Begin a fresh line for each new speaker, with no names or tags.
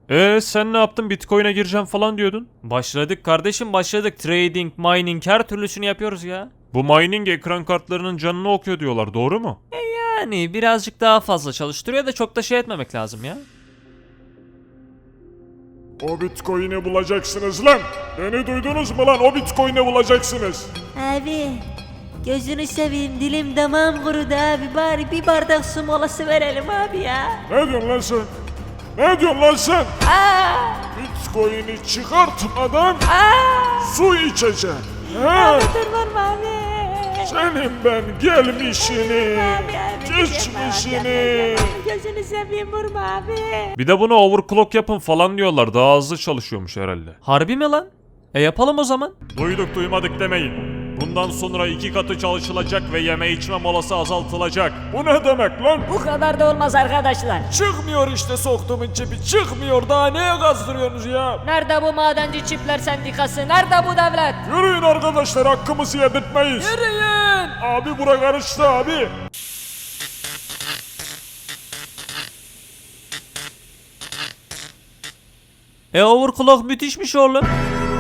Sen ne yaptın? Bitcoin'e gireceğim falan diyordun.
Başladık kardeşim, başladık. Trading, mining, her türlüsünü yapıyoruz ya.
Bu mining ekran kartlarının canını okuyor diyorlar, doğru mu?
Yani birazcık daha fazla çalıştırıyor da çok da şey etmemek lazım ya.
O Bitcoin'i bulacaksınız lan. Beni duydunuz mu lan? O Bitcoin'i bulacaksınız.
Abi gözünü seveyim, dilim damağım kurudu abi, bari bir bardak su molası verelim abi ya.
Ne diyorsun lan sen? Ne diyorsun lan sen?
Aa,
Bitcoin'i çıkartmadan
aa,
su içeceksin. He?
abi dur vurma abi.
Senin ben gelmişini,
Abi,
geçmişini.
gözünü seveyim vurma abi.
Bir de bunu overclock yapın falan diyorlar. Daha hızlı çalışıyormuş herhalde.
Harbi mi lan? Yapalım o zaman.
Duyduk duymadık demeyin. Bundan sonra 2 katı çalışılacak ve yeme içme molası azaltılacak.
Bu ne demek lan?
Bu kadar da olmaz arkadaşlar.
Çıkmıyor işte soktuğumun çipi. Çıkmıyor, daha neye gazdırıyorsunuz ya?
Nerede bu madenci çiftler sendikası? Nerede bu devlet?
Yürüyün arkadaşlar, hakkımızı yedirtmeyiz.
Yürüyün!
Abi bura karıştı abi.
Overclock müthişmiş oğlum.